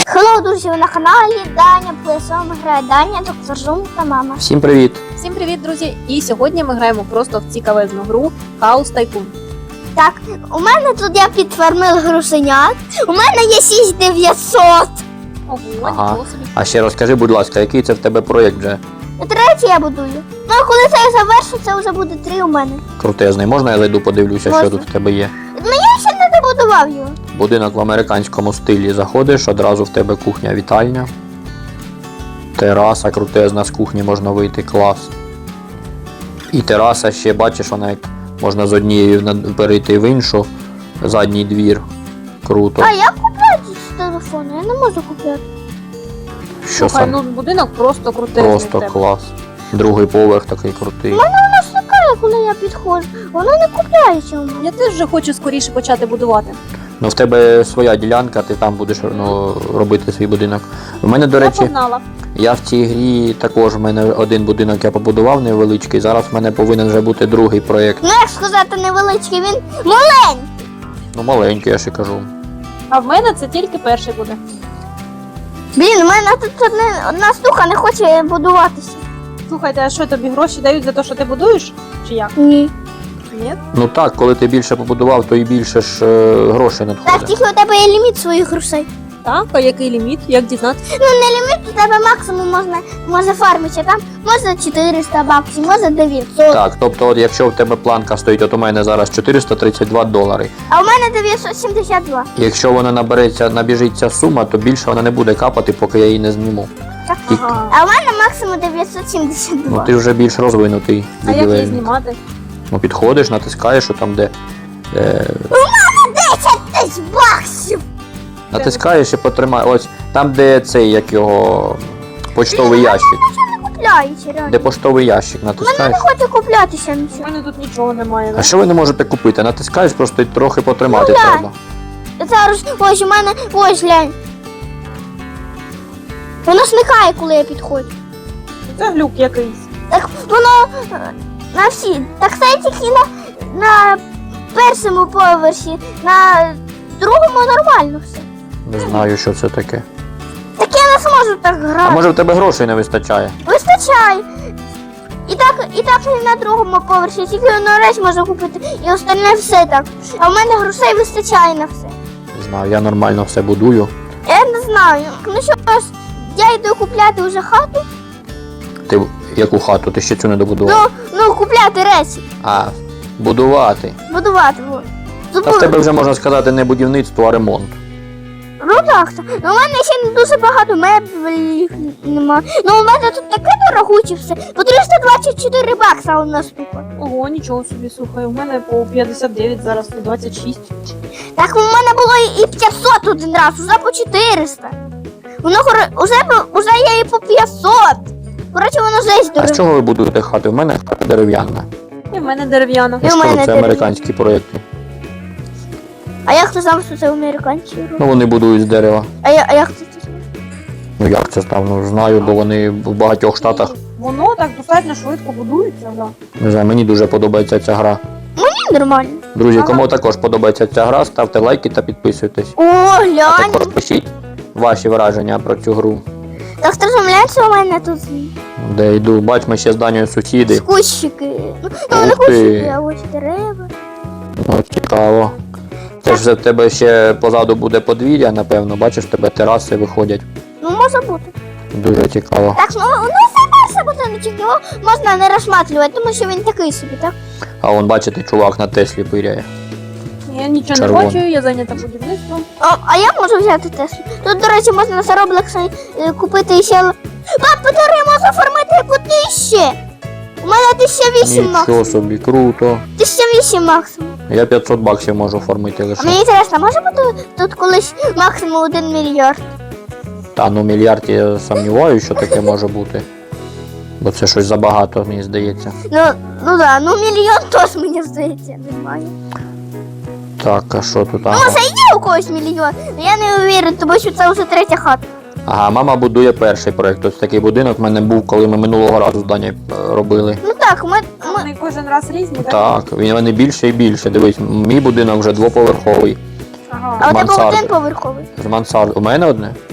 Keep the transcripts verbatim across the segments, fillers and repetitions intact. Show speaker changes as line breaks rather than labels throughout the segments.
Хеллоу, друзі, ви на каналі Даня Плесом грає Даня, доктор Зум та мама.
Всім привіт!
Всім привіт, друзі! І сьогодні ми граємо просто в цікавезну гру House Tycoon.
Так, у мене тут я підфармив грушенят. У мене є шість тисяч дев'ятсот.
Ого,
Ага.
нічого собі.
А ще розкажи, будь ласка, який це в тебе проєкт вже
Третій я будую. Ну а коли це завершу, це вже буде три у мене.
крутезний? Можна я зайду подивлюся,
Можна.
що тут в тебе є?
Я ще не добудував його.
Будинок в американському стилі. Заходиш, одразу в тебе кухня-вітальня. Тераса крутезна, з кухні можна вийти, клас. І тераса ще, бачиш, вона як можна з однієї на- перейти в іншу, задній двір. Круто.
А як купляти з телефону? Я не можу купляти.
Що
Слухай,
сам?
ну будинок просто крутий.
Просто клас. Другий поверх такий крутий.
Воно стикає, коли я підходжу. Воно не купляється у мене.
Я теж вже хочу скоріше почати будувати.
Ну в тебе своя ділянка, ти там будеш ну, робити свій будинок. У мене, до
Я
речі,
погнала.
я в цій грі також в мене один будинок я побудував невеличкий. Зараз в мене повинен вже бути другий проєкт.
Ну як сказати невеличкий, він маленький.
Ну маленький, я ще кажу.
А в мене це тільки перший буде.
Блін, у мене тут одне, одна штука не хоче будуватися.
Слухайте, а що тобі гроші дають за те, що ти будуєш? Чи як?
Ні.
Ні?
Ну так, коли ти більше побудував, то і більше ж е, грошей
Так,
надходить.
тільки у тебе є ліміт своїх грошей.
Так, а який ліміт? Як дізнатися?
Ну не ліміт, у тебе максимум можна, може фармити, там можна чотириста баксів, може дев'ятсот.
Так, тобто, от якщо в тебе планка стоїть, от у мене зараз чотириста тридцять два долари.
А у мене дев'ятсот сімдесят два.
Якщо вона набереться, набіжить ця сума, то більше вона не буде капати, поки я її не зніму.
Так.
Тільки-
Ага.
А у мене максимум дев'ятсот сімдесят
Ну
два.
ти вже більш розвинутий.
А як її
ювілейний.
знімати?
Ну підходиш, натискаєш, що там де. Е,
десять тисяч баксів!
натискаєш і потримаєш. Ось там, де цей, як його почтовий ящик.
Купляється, реально.
Де поштовий ящик,
Мене
натискаєш.
не хоче куплятися
У
нічого.
мене тут нічого немає.
А що ви не можете купити? Натискаєш, просто й трохи потримати
Ну, да.
треба.
Зараз, ось у мене, ось глянь. Воно смикає, коли я підходжу.
Це глюк якийсь.
Так воно е, на всі. Так це тільки на, на першому поверсі, на другому нормально все.
Не знаю, що це таке.
Так я не зможу так
А
грати.
може в тебе грошей не вистачає?
Вистачає. І так, і так і на другому поверсі, тільки одну речь можу купити, і остальне все так. А в мене грошей вистачає на все.
Не знаю, я нормально все будую.
Я не знаю. Ну що ж, я йду купляти вже хату.
Ти яку хату? Ти ще цю не добудував?
Ну, ну купляти речі,
А, будувати.
будувати. Вот.
А в тебе вже можна сказати не будівництво, а ремонт.
Ну так, так. Ну, у мене ще не дуже багато меблів нема. Ну у мене тут таке дорогуче все. По триста двадцять чотири бакса одна штука.
Ого, нічого собі, слухай. У мене по п'ятдесят дев'ять, зараз сто двадцять шість.
Так у мене було і п'ятсот один раз, уже по чотириста. Воно хоро- уже, по- уже є і по п'ятсот. Коротше, воно жесть
А з
дороге.
чого ви будуєте хати? У мене хата дерев'яна.
І в мене дерев'яна.
І
Я
в
ж кажу,
мене
це
дерев'яна.
американські проєкти.
А як ти знав, що це американці роблять?
Ну вони будують з дерева.
А, я, а як ти це знаєш?
Ну як це став? Ну знаю, бо вони в багатьох штатах.
Воно так достатньо швидко будується, да.
Не знаю, мені дуже подобається ця гра.
Ні, нормально.
Друзі,
Ага.
кому також подобається ця гра, ставте лайки та підписуйтесь.
О,
А
глянь.
також пишіть ваші враження про цю гру.
Так ти розумієш, що у мене тут
Де йду, бач, ми ще з Данією сусіди.
кущики. Ну, ну не
Ух ти.
кущики, а ось дерева.
Ну, цікаво. Це ж в тебе ще позаду буде подвір'я, напевно. Бачиш, в тебе тераси виходять.
Ну, може бути.
Дуже цікаво.
Так, ну, ну це перше будиночок, його можна не розшматлювати, тому що він такий собі, так?
А вон, бачите, чувак на Теслі пиряє.
Я нічого
Червоно.
не бачу, я зайнята будівництвом.
А, а я можу взяти Теслу. Тут, до речі, можна за Roblox е, купити ще... Пап, подари, можу оформити по тисячі! У мене тисяча вісім
Нічого
максимум.
собі, круто.
тисяча вісім максимум.
Я п'ятсот баксів можу оформити
А
лише.
мені цікаво, може бути тут колись максимум один мільярд?
Та ну мільярд я сумніваюся, що таке може бути. Бо це щось забагато, мені здається.
Ну, ну да, ну мільйон теж, мені здається, немає.
Так, а що тут?
Ну,
Ага.
може є у когось мільйон, але я не уверен, тому що це вже третя хата.
Ага, мама будує перший проєкт. Ось такий будинок в мене був, коли ми минулого разу з Дані робили.
Ну так, ми, ми,
Вони кожен раз різні, так?
Так, він вони більше і більше. Дивись, мій будинок вже двоповерховий.
Ага.
а у тебе
мансарди.
один поверховий.
З мансард. У мене одне?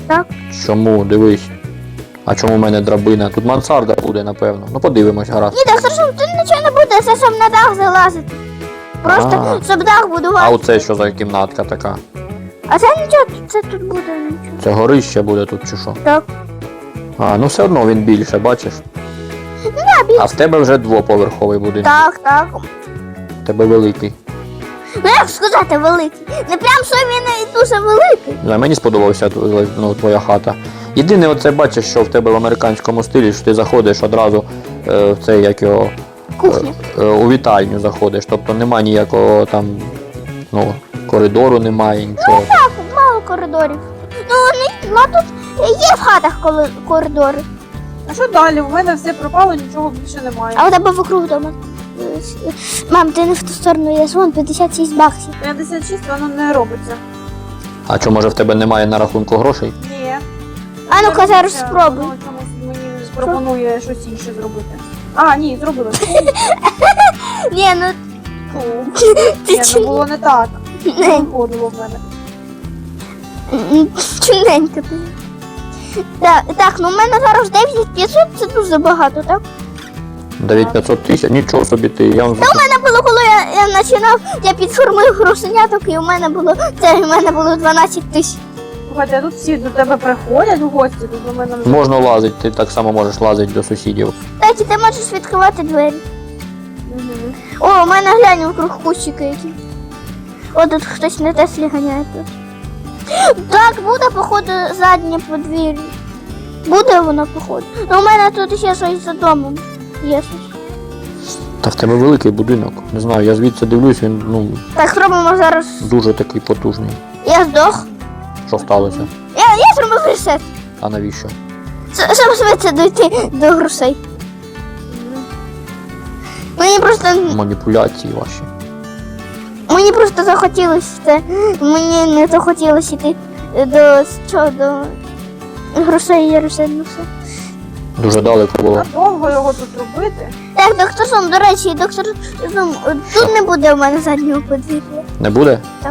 Так.
Чому? Дивись. А чому в мене драбина? Тут мансарда буде, напевно. Ну подивимось, гаразд.
Ні, доктор Зум, тут нічого не буде, це щоб на дах залазити. Просто
А.
щоб дах
А
будувати.
оце що за кімнатка така?
А це нічого, це тут буде нічого.
Це горище буде тут чи що?
Так.
А, ну все одно він більше, бачиш? А в тебе вже двоповерховий будинок.
Так, так.
В тебе великий.
Ну як сказати великий? Не прям що він і дуже великий.
Не знаю, мені сподобався тв- ну, твоя хата. Єдине, оце бачиш, що в тебе в американському стилі, що ти заходиш одразу е, в це як його
Кухня.
е, у вітальню заходиш. Тобто нема ніякого там ну, коридору, немає нічого.
Так, мало коридорів. Ну, не, ну тут є в хатах коли- коридори.
А що далі? У мене все пропало, нічого більше немає.
А у тебе вокруг вдома. Мам, ти не в ту сторону, я звон п'ятдесят шість баксів.
п'ятдесят шість воно не робиться.
А що, може в тебе немає на рахунку грошей?
Ні.
А ну-ка
Не
зараз
робиться,
спробуй.
Воно чомусь мені пропонує щось інше зробити. А, ні, зробила.
Ні, ну
Фу.
ти
Ні, ну було не так. Не виходило в мене.
чудненько ти. Так, так, ну в мене зараз дев'ять п'ятсот, це дуже багато, так?
дев'ять п'ятсот тисяч, нічого собі ти. Я вам
У мене було, коли я, я починав, я підформив грошеняток, і у мене було, це у мене було дванадцять тисяч.
Слухайте, а тут всі до тебе приходять в гості, тут у мене вже...
можна лазити, ти так само можеш лазити до сусідів.
Так, і ти можеш відкривати двері.
Мгм.
О, у мене глянь вокруг кущики які. О, тут хтось на Теслі ганяє тут. Так, буде, походу, заднє подвір'я. Буде воно, походу. Ну, у мене тут ще щось за домом. Є щось.
Та в тебе великий будинок. Не знаю, я звідси дивлюсь, він ну
Так, зробимо зараз.
дуже такий потужний.
Я здох.
Що сталося?
Я, я зробив ресет.
А навіщо?
С- Щоб швидше дойти до грошей.
Мгм.
Мені просто.
Маніпуляції ваші.
Мені просто захотілося це. Мені не захотілося йти до що, до грошей і ресет, ну все.
Дуже далеко було.
А довго його тут робити?
Так, доктор Зум, до речі, доктор Зум, тут не буде у мене заднього подвір'я.
Не буде?
Так.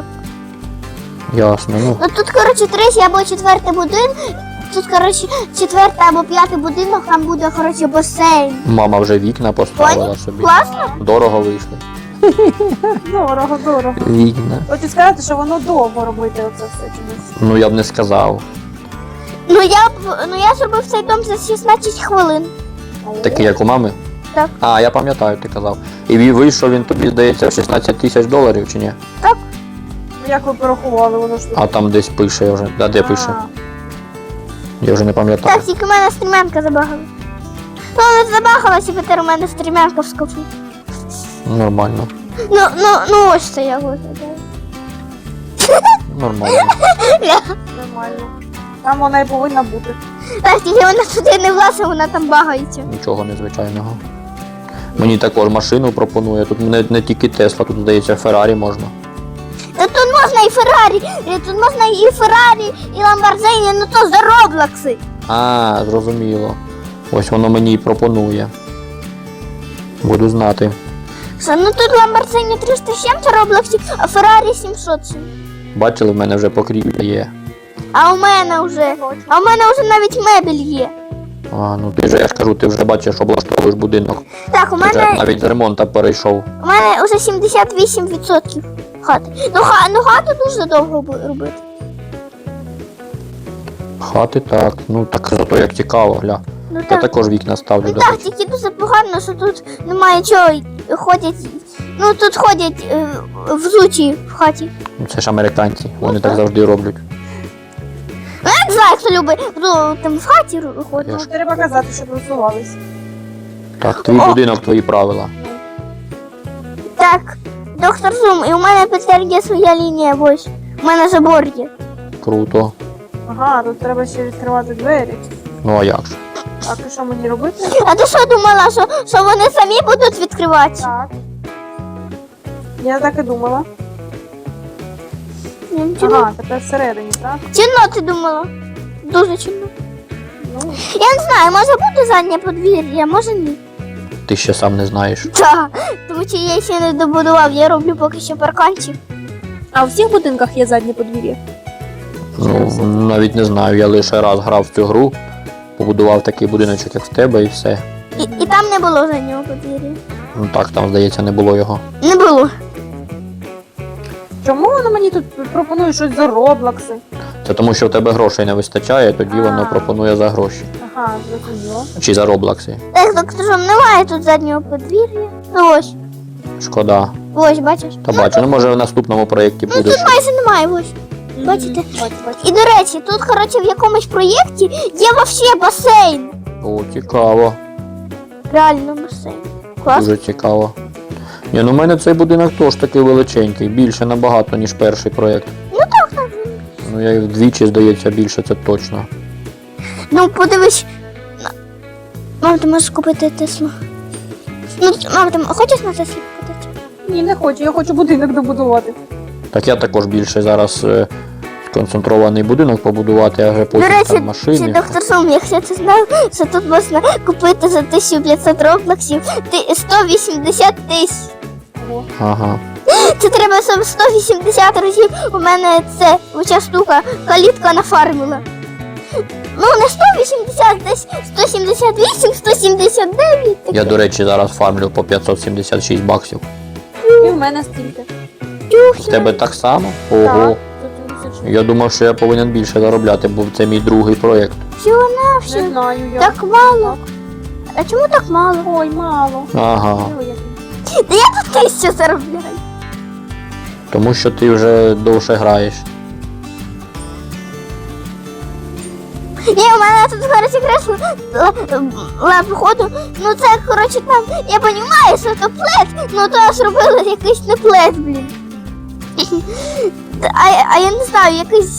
Ясно, ну.
Ну тут, коротше, третій або четвертий будинок. Тут, коротше, четвертий або п'ятий будинок, там буде, коротше, басейн.
Мама вже вікна поставила собі.
Класно?
Дорого вийшло.
Дорого, дорого.
Вікна.
Хочу сказати, що воно довго робити оце все чомусь.
Ну я б не сказав.
Ну я б- ну я зробив цей дом за шістнадцять хвилин.
Такий, як у мами?
Так.
А, я пам'ятаю, ти казав. І він вийшов, він тобі, здається, в шістнадцять тисяч доларів чи ні?
Ну, як ви порахували, воно ж тут.
А там десь пише вже. А де пише?
А,
Я вже не пам'ятаю.
Так, тільки в мене стрімянка забагала. Ну, не забагалася, і тепер у мене стрімянка в скопі.
Нормально.
Ну, ну, ну ось це я виглядаю.
Нормально.
нормально. Там вона і повинна бути.
Так, тільки вона туди не влазить, вона там багається.
Нічого незвичайного. Мені також машину пропонує. Тут не, не тільки Тесла, тут, здається, Феррарі можна.
Та тут можна і Феррарі, і тут можна і Феррарі, і Ламборджині, ну то за Роблокси.
А, зрозуміло. Ось воно мені і пропонує. Буду знати.
Що, ну тут Ламборджині триста з чим-то Роблоксів, а Феррарі сімсот.
Бачили, в мене вже покрівля є.
А у мене вже, а у мене вже навіть мебель є.
А, ну ти ж, я ж кажу, ти вже бачиш, облаштовуєш будинок.
Так, у
Ти вже
мене,
навіть з ремонту перейшов.
у мене вже сімдесят вісім відсотків хати. Ну, ха, ну хату дуже довго бу- робити.
Хати так, ну так зато як цікаво, гля.
Ну
Я
так,
також вікна ставлю,
ну
до
так,
речі.
тільки дуже погано, що тут немає чого, ходять, ну тут ходять е, взуті в хаті.
Ну, це ж американці, вони
Ну,
так
так.
завжди роблять.
Ну, я не знаю, хто любить, ну, там в хаті ходить.
Я
Ну, треба казати, щоб просувались.
Так, твій
О!
будинок, твої правила.
Так, доктор Зум, і у мене тепер є своя лінія, ось. У мене забор є.
Круто.
Ага, тут треба ще відкривати двері.
Ну а як же?
Так, і що мені робити?
А ти що думала, що, що вони самі будуть відкривати?
Так. Я так і думала.
Ні, Чинно,
Ага, тепер всередині, так?
чинно ти думала? Дуже чинно.
Ну,
Я не знаю, може буде заднє подвір'я, може ні.
Ти ще сам не знаєш.
Так, тому що я ще не добудував, я роблю поки що парканчик.
а у всіх будинках є заднє подвір'я?
Ну, навіть не знаю, я лише раз грав в цю гру, побудував такий будиночок, як в тебе, і все.
І, і там не було заднього подвір'я.
Ну так, там, здається, не було його.
Не було.
Чому воно мені тут пропонує щось за роблокси?
Це тому, що в тебе грошей не вистачає, тоді воно
А.
пропонує за гроші.
Ага, зрозуміло.
Чи за роблакси.
Так, доктор, Жом, немає тут заднього подвір'я. Ну ось,
Шкода.
ось, бачиш.
Та бачу, ну може в наступному проєкті
Ну
буде.
тут майже немає, ось. Бачите?
Мгм, Бачу, бачу.
І до речі, тут, коротше, в якомусь проєкті є вообще басейн.
О, цікаво.
Реально басейн. Клас.
Дуже цікаво. Ні, ну в мене цей будинок теж такий величенький, більше набагато, ніж перший проєкт.
Ну так, так.
Ну я їх вдвічі, здається, більше, це точно.
Ну, подивись. На- Мам, ти можеш купити Теслу. Ну, мам, ти хочеш на Теслі купити?
Ні, не хочу, я хочу будинок добудувати.
Так я також більше зараз е, сконцентрований будинок побудувати, а вже
До
потім
речі,
там
чи
машини.
доктор Сум, якщо ти знав, що тут можна купити за тисячу п'ятсот роблоксів ти- сто вісімдесят тисяч.
Ого.
Ага.
Це треба сам сто вісімдесят разів. У мене це оця штука калітка нафармила. Ну, не сто вісімдесят, десь сто сімдесят вісім, сто сімдесят дев'ять.
Я, до речі, зараз фармлю по п'ятсот сімдесят шість баксів.
І в мене стільки.
В тебе так само? Ого.
Так, тут сімдесят шість.
Я думав, що я повинен більше заробляти, бо це мій другий проєкт.
Всього на все.
Не знаю я.
Так мало. А чому так мало?
Ой, мало.
Ага.
Диви, який.
Та я тут тисячу заробляю.
Тому що ти вже довше граєш.
Ні, у мене тут, коротше, кресло ла походу. Ну це, коротше, там, я розумію, що це плед, ну то зробили якийсь не плед, блін. А, а я не знаю, якийсь.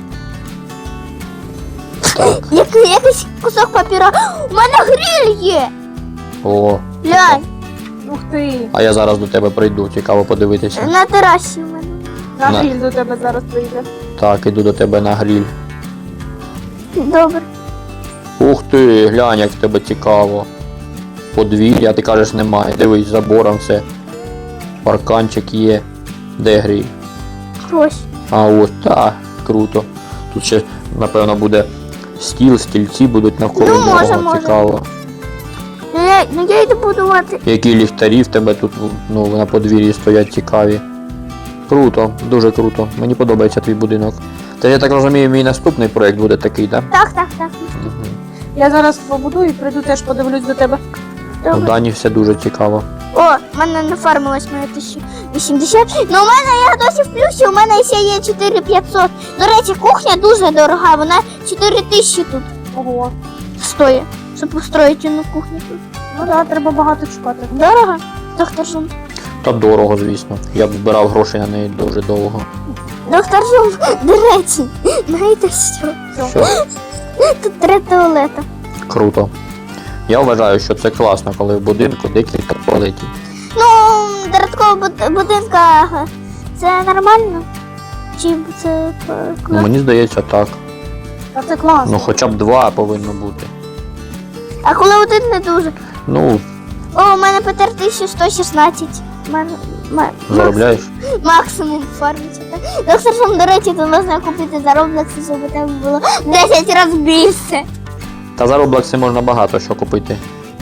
Так.
Який, якийсь кусок папіра. У мене гриль є!
О.
Глянь,
Ух ти.
А я зараз до тебе прийду, цікаво подивитися.
на терасі у мене.
На
На.
гриль до тебе зараз прийде.
Так, іду до тебе на гріль.
Добре.
Ух ти, глянь, як в тебе цікаво. Подвір'я, ти кажеш, немає. Дивись, забором все. Парканчик є. Де гріль?
Ось.
А ось, так, круто. Тут ще, напевно, буде стіл, стільці будуть навколо
Ну,
нього.
може, може.
Цікаво.
Ну я, ну я йду будувати.
Які ліхтарі в тебе тут, ну, на подвір'ї стоять цікаві. Круто, дуже круто. Мені подобається твій будинок. Та я так розумію, мій наступний проєкт буде такий, так?
Так, так, так.
Угу.
Я зараз побудую і прийду теж подивлюсь до тебе.
У
Добре.
Дані все дуже цікаво.
О, в мене нафармилось моє тисяча вісімдесят. Ну у мене я досі в плюсі, у мене ще є чотири п'ятсот. До речі, кухня дуже дорога, вона чотири тисячі тут
Ого.
стоїть, щоб построїти одну кухню тут.
Ну так, треба багато чекати.
Дорого? Доктор Жум.
Та дорого, звісно. Я б збирав гроші на неї дуже довго.
Доктор Жум, до речі, знаєте що?
Що?
Тут три туалета.
Круто. Я вважаю, що це класно, коли в будинку декілька туалетів.
Ну, додатково буд- будинка це нормально? Чи це е,
Ну,
класно?
мені здається, так.
А це класно.
Ну, хоча б два повинно бути.
А коли один не дуже?
Ну,
О, у мене Петер тисяча сто шістнадцять. У мене ма-
заробляєш.
максимум фармиться. Так? Доктор Жум, до речі, то можна купити за Roblox, щоб у тебе було десять разів більше.
Та за Роблокси можна багато що купити.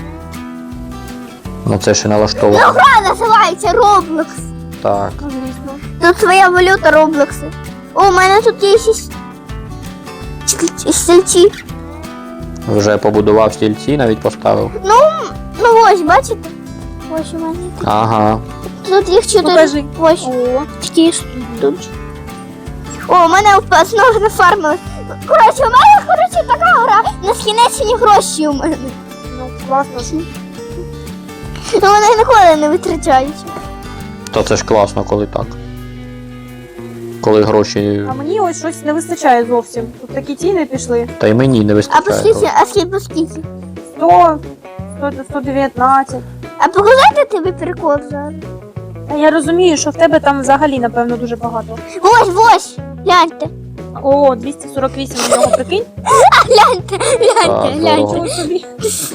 На це ще налаштовано.
Ну, гра називається Roblox.
Так.
Ну, звісно.
Тут своя валюта Роблокси. О, у мене тут є ще с- стіль- стільці.
Вже побудував стільці, навіть поставив.
Ну, ну ось, бачите? Ось у мене.
Ага.
Тут їх чотири.
Покажи.
Ось,
О.
такі ж тут. О, у мене вп- знову нафармилось. Коротше, у мене, коротше, така гра. Нескінчені гроші у мене.
Ну, класно.
Ну, вони ніколи не витрачають.
Та це ж класно, коли так. Коли гроші.
А мені ось щось не вистачає зовсім. Тут такі ціни пішли.
Та й мені не
А
вистачає.
по скільки? А скільки по скільки?
сто, сто, сто дев'ятнадцять.
А показати тобі прикол зараз?
Та я розумію, що в тебе там взагалі, напевно, дуже багато.
Ось, ось, гляньте.
О, двісті сорок вісім у нього, прикинь.
Гляньте, гляньте,
Так,
гляньте.
дорого.
Чого собі?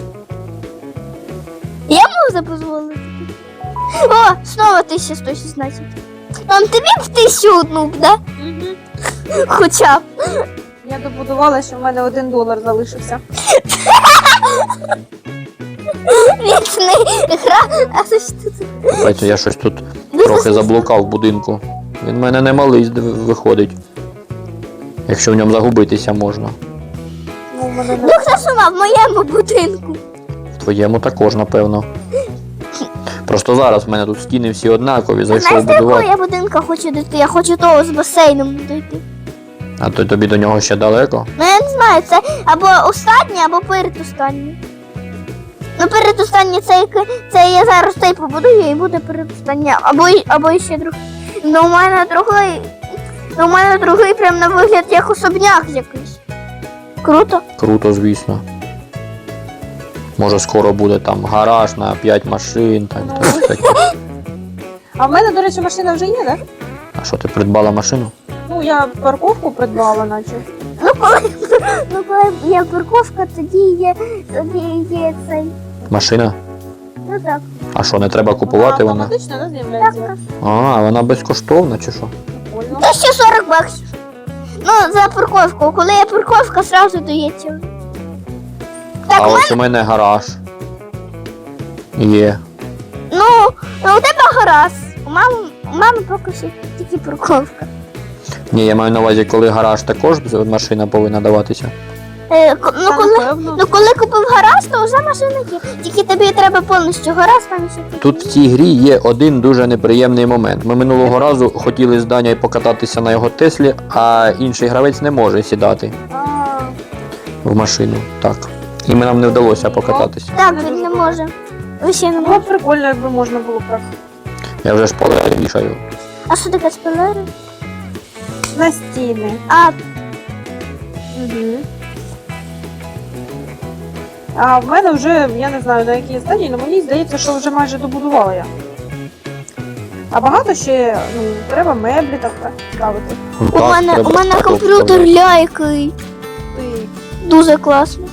Я можу дозволити. О, знову тисяча сто шістнадцять. Там тобі в тисячу одну, б, да?
Мгм.
Хоча б.
Я добудувала, що в мене один долар залишився.
Вічний гра. А це що тут?
Бачите, я щось тут трохи заблукав в будинку. Він в мене не малий зд- виходить. Якщо в ньому загубитися можна.
Ну, в мене
Ну
не...
хто сама в моєму будинку?
В твоєму також, напевно. Просто зараз в мене тут стіни всі однакові, зайшов
Знаєш, до якого
будувати.
я будинка хочу дійти? Я хочу того з басейном дійти.
А то тобі до нього ще далеко?
Ну я не знаю, це або останнє, або передостаннє. Ну передостаннє це, яке- це я зараз цей побудую і буде передостаннє. Або, й- або і ще другий. Ну у мене другий. Ну у мене другий прям на вигляд як особняк якийсь. Круто.
Круто, звісно. Може скоро буде там гараж на п'ять машин, так,
Ну.
так, таке.
А в мене, до речі, машина вже є, так?
А що, ти придбала машину?
Ну, я парковку придбала, наче.
Ну коли, ну, коли є парковка, тоді є, тоді є цей.
Машина?
Ну так.
А що, не треба купувати
Вона
вона?
автоматично, да,
Так,
з'являється?
А, вона безкоштовна чи що?
Прикольно.
тисяча сорок баксів. Ну, за парковку. Коли є парковка, одразу дається. Так,
А
у мене,
ось у мене гараж. Є.
ну, ну, у тебе гаразд. У мами, у мами поки що тільки парковка.
Ні, я маю на увазі, коли гараж також машина повинна даватися.
Е, ко- ну,
Та,
коли,
напевно.
ну, коли купив гаразд, то вже машина є. Тільки тобі треба повністю гаразд, там і ще таке.
Тут в цій грі є один дуже неприємний момент. Ми минулого разу хотіли з Данєю покататися на його Теслі, а інший гравець не може сідати
А,
в машину. Так. І ми нам не вдалося покататися.
Так,
не
він
дуже
не
добре.
може. Ви ще не
було
може.
б прикольно, якби можна було б так.
Я вже шпалери вішаю.
А що таке спойлери?
На стіни.
А,
Угу. А в мене вже, я не знаю на якій стадії, але мені здається, що вже майже добудувала я. А багато ще, ну, треба меблі так так ставити.
Ну,
у
так,
мене,
треба
у мене
так
комп'ютер
робити.
ляйкий.
Ти...
Дуже класний.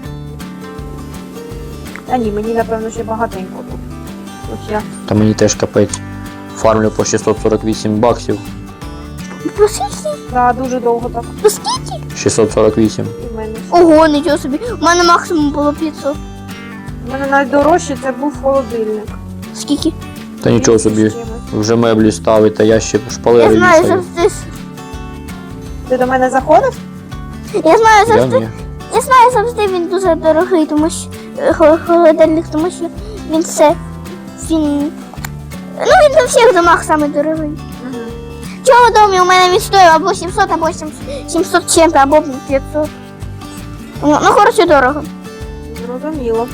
А ні, мені напевно ще багатенько тут. Ось я.
Та мені теж капець. Фармлю по шістсот сорок вісім баксів.
По скільки?
Да, дуже довго так.
По скільки?
шістсот сорок вісім.
І в мене.
Ого, нічого собі. У мене максимум було п'ятсот.
У мене найдорожче це був холодильник.
Скільки?
Та нічого собі.
З чимось.
Вже меблі ставить, а я ще
Я
шпалери
знаю
вішаю.
завжди.
Ти до мене заходив?
Я знаю
Я
завжди.
ні.
Я знаю завжди він дуже дорогий, тому що е, хо- холодильник, тому що він все. Він. Ну він на всіх домах саме дорогий.
Угу.
В цьому домі у мене він стоїть або сімсот, або сімсот чим, або п'ятсот. Ну, ну коротше дорого.
Зрозуміло.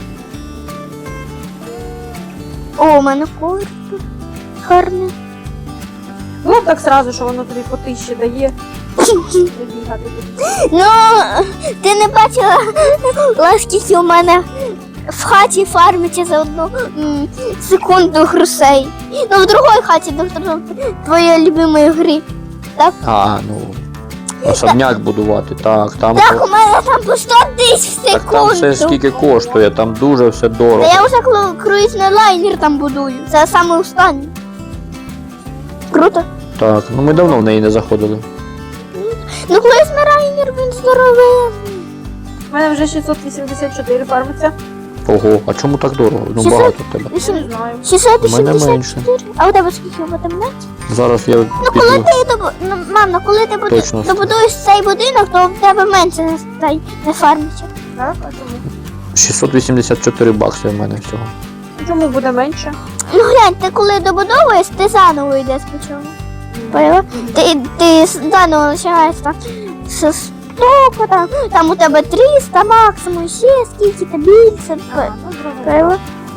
О, у мене ковер тут гарний.
Було б так сразу, що воно тобі по тисячі дає. Не бігати тут.
Ну, ти не бачила, скільки у мене в хаті фармиться за одну м, секунду грошей. Ну, в другій хаті, доктор, твоєї любимої гри.
А, ну. Особняк будувати, так, там.
Так, у мене там по сто тисяч в
Так там все
секунду.
скільки коштує, там дуже все
Та
дорого.
я вже кру- круїзний лайнер там будую. Це саме останнє. Круто.
Так, ну ми давно в неї не заходили.
Ну, круїзний лайнер, він здоровий.
У мене вже шістсот вісімдесят чотири фармиться.
Ого, а чому так дорого? Ну
Шістсот?
багато в тебе.
Я не
Вісім-
знаю.
шістсот
У мене
вісімдесят
менше.
чотири. А у тебе скільки в тебе менше?
Зараз я
Ну, коли
піду.
ти добу... ну, мам, ну, коли ти буду...
Точно.
добудуєш цей будинок, то в тебе менше не, стай- не фармиться.
Так, а чому?
шістсот вісімдесят чотири бакси в мене всього.
Чому буде менше?
Ну глянь, ти коли добудовуєш, ти заново йдеш спочатку. Поняла? Ти, ти заново починаєш там з сто, там, там у тебе триста максимум, ще скільки та більше.
Ага, ну, зрозуміло.
Поняла?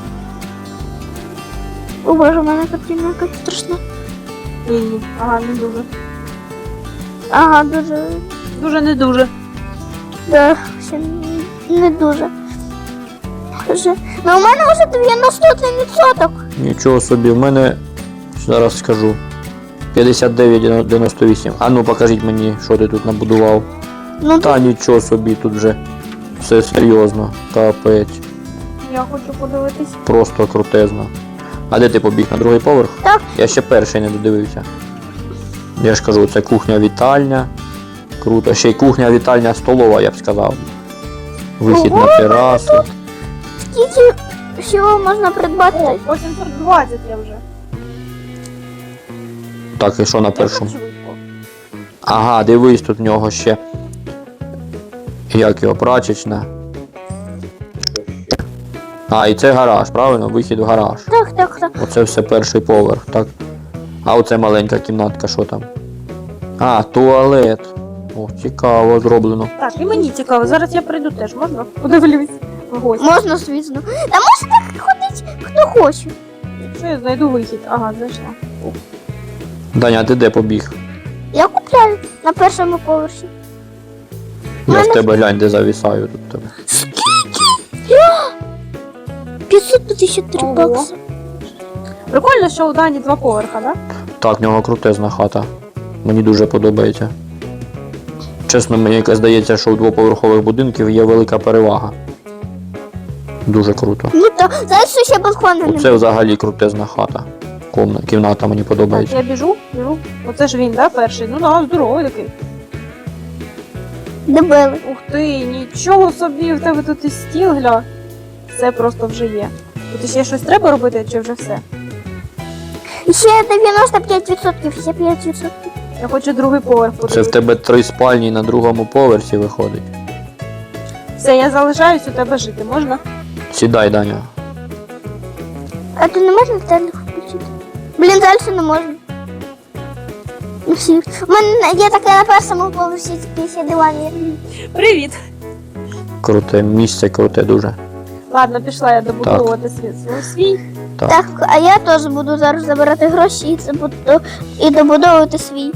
О боже, у мене картина якась страшна.
Ні, ага, не дуже.
Ага, дуже,
Дуже не дуже.
да, ще не- не дуже. Вже. Ну у мене вже дев'яносто один відсоток.
Нічого собі, в мене зараз скажу. п'ятдесят дев'ять дев'яносто вісім. А ну покажіть мені, що ти тут набудував.
Ну,
Та нічого собі, тут вже все серйозно. Капець.
Я хочу подивитись.
Просто крутезно. А де ти побіг? На другий поверх?
Так.
Я ще перший не додивився. Я ж кажу, це кухня-вітальня. Круто. Ще й кухня, вітальня, столова, я б сказав. Вихід
Ого,
на терасу.
Скільки всього можна придбати?
О, по сімсот двадцять я вже.
Так, і що на першому?
Це швидко.
Ага, дивись, тут в нього ще. Як його, прачечна. А, і це гараж, правильно? Вихід в гараж.
Так, так, так.
Оце все перший поверх, так? А оце маленька кімнатка, що там? А, туалет. О, цікаво зроблено.
Так, і мені цікаво, зараз я прийду теж, можна? Подивлюсь в гості.
Можна, звісно. Та може так ходить, хто хоче.
Що я знайду вихід? Ага, знайшла.
Даня, а ти де побіг?
Я купляю на першому поверсі.
Я
Мене-
в тебе глянь, де завісаю тут тебе.
п'ятсот п'ятдесят три
Ого.
бакси.
Прикольно, що у Дані два поверха, да?
Так, в нього крутезна хата. Мені дуже подобається. Чесно, мені якось здається, що у двоповерхових будинків є велика перевага. Дуже круто.
Ну так, знаєш, що ще балкона
Оце
немає?
взагалі крутезна хата. Комна, кімната мені
Так,
подобається.
я біжу, біжу. Оце ж він, да, перший? Ну да, здоровий такий.
Дебели.
Ух ти, нічого собі, в тебе тут і стіл, гля. Все просто вже є. Тут ще щось треба робити, чи вже все?
Ще дев'яносто п'ять відсотків, ще п'ять відсотків.
Я хочу другий поверх
Це в
подивитися.
тебе три спальні на другому поверсі виходить.
Все, я залишаюсь у тебе жити, можна?
Сідай, Даня.
А то не можна телек включити? Блін, далі не можна. Ну всі. У мене є таке на першому поверсі після дивані.
Привіт!
Круте місце, круте дуже.
Ладно, пішла я добудовувати свій, свій свій.
Так.
Так, а я теж буду зараз забирати гроші і, це буду, і добудовувати свій.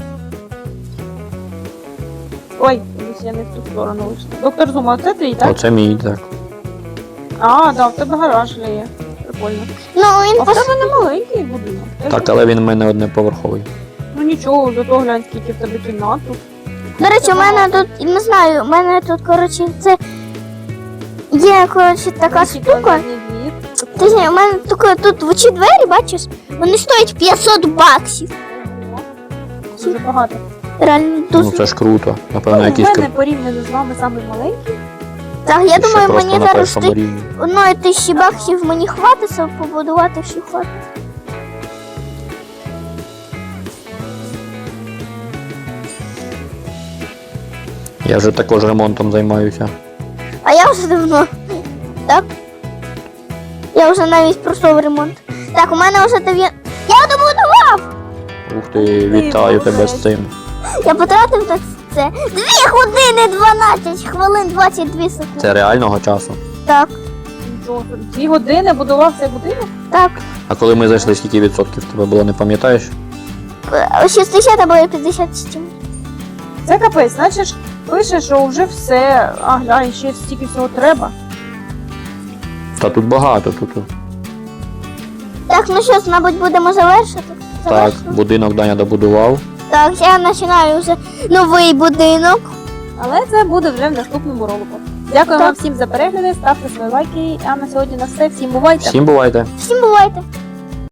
Ой, десь я не в ту сторону вийшла. Доктор Зума, це твій, так?
Оце мій, так.
А, да, в тебе гараж є. Прикольно.
Ну, він
А в
пос...
тебе не маленький будинок.
Так, але він в мене одноповерховий.
Ну нічого, зато глянь, скільки в тебе кімнат тут.
До речі, у мене тут, не знаю, у мене тут, коротше, це є, коротше, така штука. Ти знаєш, у мене таке, тут в очі двері, бачиш, вони стоять п'ятсот баксів.
Дуже багато.
Реально
Ну
дуже.
це ж круто. Напевно,
Ну, у
якийсь
мене порівняно з вами самий маленький.
Так, я
ще
думаю,
просто
мені
на
зараз
першому
ти
рівні.
одної тисячі баксів мені хватить, щоб побудувати всю хату.
Я вже також ремонтом займаюся.
А я вже давно. Так? Я вже навіть пройшов ремонт. Так, у мене вже дев'ять. Я добудував!
Ух ти, вітаю тебе з цим.
Я потратив на це дві години дванадцять хвилин двадцять дві секунди.
Це реального часу.
Так,
Нічого собі. Дві години будував цей будинок.
так.
А коли ми зайшли, скільки відсотків в тебе було, не пам'ятаєш?
Е, шістдесят або п'ятдесят з чим.
Це капець, значить, пише, що вже все. А глянь, ще стільки всього треба.
Та тут багато, тут.
Так, ну що ж, мабуть, будемо завершити.
Так,
Завершуємо.
будинок Даня добудував.
Так, я починаю вже новий будинок.
Але це буде вже в наступному ролику. Дякую
Так.
вам всім за перегляди, ставте свої лайки. А на сьогодні на все. Всім бувайте!
Всім бувайте!
Всім бувайте!